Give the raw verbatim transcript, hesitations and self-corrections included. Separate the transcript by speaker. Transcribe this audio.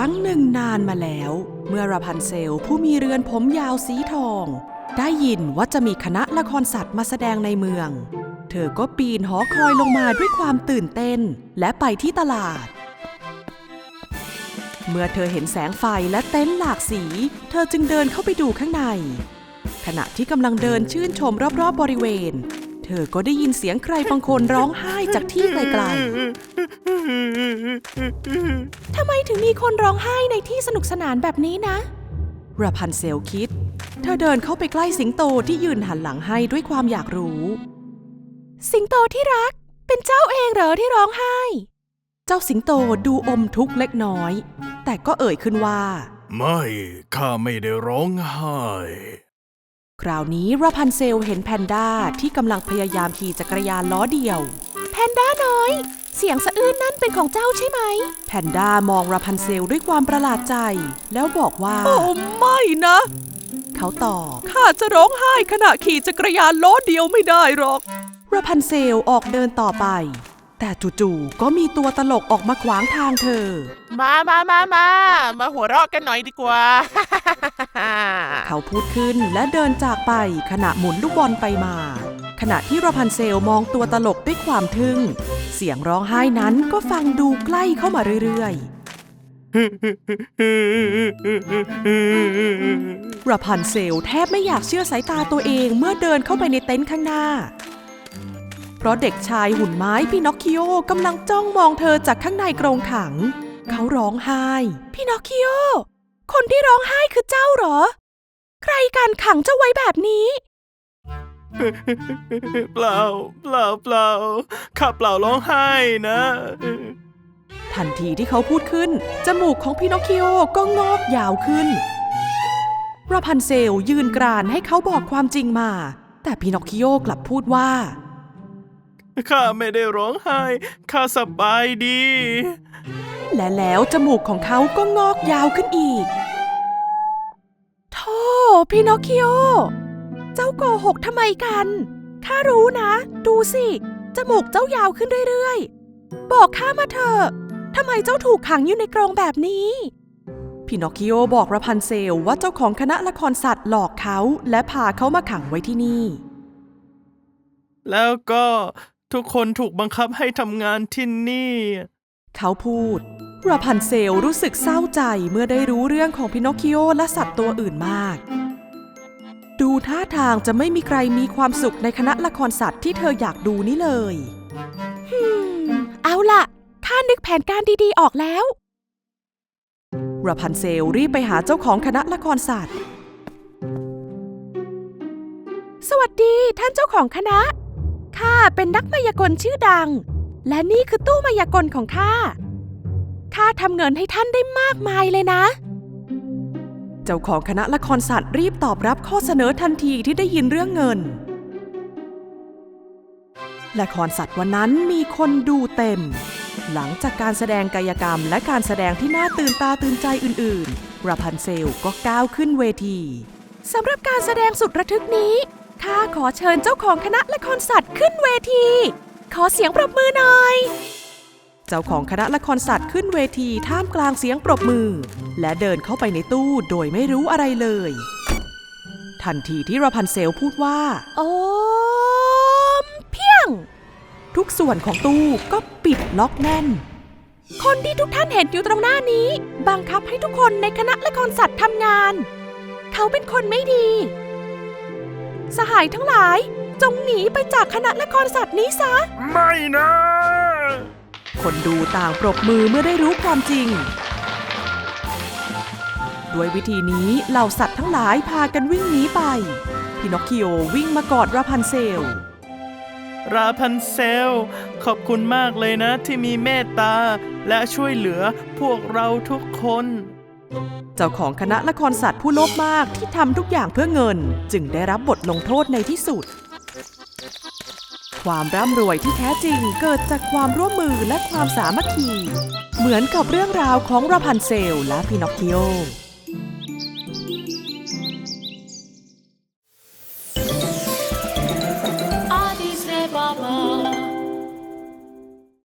Speaker 1: รั้งหนึ่งนานมาแล้วเมื่อราพันเซลผู้มีเรือนผมยาวสีทองได้ยินว่าจะมีคณะละครสัตว์มาแสดงในเมืองเธอก็ปีนหอคอยลงมาด้วยความตื่นเต้นและไปที่ตลาดเมื่อเธอเห็นแสงไฟและเต็นท์หลากสีเธอจึงเดินเข้าไปดูข้างในขณะที่กำลังเดินชื่นชมรอบๆบริเวณเธอก็ได้ยินเสียงใครบางคนร้องไห้จากที่ไกลๆทำไมถึงมีคนร้องไห้ในที่สนุกสนานแบบนี้นะราพันเซลคิดเธอเดินเข้าไปใกล้สิงโตที่ยืนหันหลังให้ด้วยความอยากรู้สิงโตที่รักเป็นเจ้าเองเหรอที่ร้องไห้เจ้าสิงโตดูอมทุกข์เล็กน้อยแต่ก็เอ่ยขึ้นว่า
Speaker 2: ไม่ข้าไม่ได้ร้องไห้
Speaker 1: คราวนี้ราพันเซลเห็นแพนด้าที่กำลังพยายามขี่จักรยานล้อเดียวแพนด้าน้อยเสียงสะอื้นนั่นเป็นของเจ้าใช่ไหมแพนด้ามองราพันเซลด้วยความประหลาดใจแล้วบอกว่าโอ้ไม่นะเขาตอบข้าจะร้องไห้ขณะขี่จักรยานล้อเดียวไม่ได้หรอกราพันเซลออกเดินต่อไปแต่จู่ๆก็มีตัวตลกออกมาขวางทางเธอ
Speaker 3: มามามามามาหัวเราะกันหน่อยดีกว่า
Speaker 1: เขาพูดขึ้นและเดินจากไปขณะหมุนลูกบอลไปมาขณะที่ราพันเซลมองตัวตลกด้วยความทึ่งเสียงร้องไห้นั้นก็ฟังดูใกล้เข้ามาเรื่อยๆราพันเซลแทบไม่อยากเชื่อสายตาตัวเองเมื่อเดินเข้าไปในเต็นท์ข้างหน้าเพราะเด็กชายหุ่นไม้พินอคคิโอกำลังจ้องมองเธอจากข้างในกรงขังเขาร้องไห้พินอคคิโอคนที่ร้องไห้คือเจ้าเหรอใครกันขังเจ้าไว้แบบนี้
Speaker 2: เปล่าเปล่าเปล่าข้าเปล่าร้องไห้นะ
Speaker 1: ทันทีที่เขาพูดขึ้นจมูกของพินอคคิโอก็งอกยาวขึ้นราพันเซลยืนกรานให้เขาบอกความจริงมาแต่พินอคคิโอกลับพูดว่า
Speaker 2: ข้าไม่ได้ร้องไห้ข้าสบายดี
Speaker 1: และแล้วจมูกของเขาก็งอกยาวขึ้นอีกโธ่พินอคคิโอเจ้าโกหกทำไมกันข้ารู้นะดูสิจมูกเจ้ายาวขึ้นเรื่อยๆบอกข้ามาเถอะทำไมเจ้าถูกขังอยู่ในกรงแบบนี้พินอคคิโอบอกราพันเซลว่าเจ้าของคณะละครสัตว์หลอกเขาและพาเขามาขังไว้ที่นี่
Speaker 2: แล้วก็ทุกคนถูกบังคับให้ทำงานที่นี่
Speaker 1: เขาพูดราพันเซลรู้สึกเศร้าใจเมื่อได้รู้เรื่องของพินอคคิโอและสัตว์ตัวอื่นมากดูท่าทางจะไม่มีใครมีความสุขในคณะละครสัตว์ที่เธออยากดูนี่เลยฮึมเอาล่ะข้านึกแผนการดีๆออกแล้วราพันเซลรีบไปหาเจ้าของคณะละครสัตว์สวัสดีท่านเจ้าของคณะข้าเป็นนักมายากลชื่อดังและนี่คือตู้มายากลของข้าข้าทำเงินให้ท่านได้มากมายเลยนะเจ้าของคณะละครสัตว์รีบตอบรับข้อเสนอทันทีที่ได้ยินเรื่องเงินละครสัตว์วันนั้นมีคนดูเต็มหลังจากการแสดงกายกรรมและการแสดงที่น่าตื่นตาตื่นใจอื่นๆราพันเซลก็ก้าวขึ้นเวทีสำหรับการแสดงสุดระทึกนี้ข้าขอเชิญเจ้าของคณะละครสัตว์ขึ้นเวทีขอเสียงปรบมือหน่อยเจ้าของคณะละครสัตว์ขึ้นเวทีท่ามกลางเสียงปรบมือและเดินเข้าไปในตู้โดยไม่รู้อะไรเลยทันทีที่ราพันเซลพูดว่าโอมเพียงทุกส่วนของตู้ก็ปิดล็อกแน่นคนที่ทุกท่านเห็นอยู่ตรงหน้านี้บังคับให้ทุกคนในคณะละครสัตว์ทำงานเขาเป็นคนไม่ดีสหายทั้งหลายจงหนีไปจากคณะละครสัตว์นี้ซะ
Speaker 2: ไม่นะ
Speaker 1: คนดูต่างปรบมือเมื่อได้รู้ความจริงด้วยวิธีนี้เหล่าสัตว์ทั้งหลายพากันวิ่งหนีไปพินอคคิโอวิ่งมากอดราพันเซล
Speaker 2: ราพันเซลขอบคุณมากเลยนะที่มีเมตตาและช่วยเหลือพวกเราทุกคน
Speaker 1: เจ้าของคณะละครสัตว์ผู้โลภมากที่ทำทุกอย่างเพื่อเงินจึงได้รับบทลงโทษในที่สุดความร่ำรวยที่แท้จริงเกิดจากความร่วมมือและความสามัคคีเหมือนกับเรื่องราวของราพันเซลและพินอคคิโอ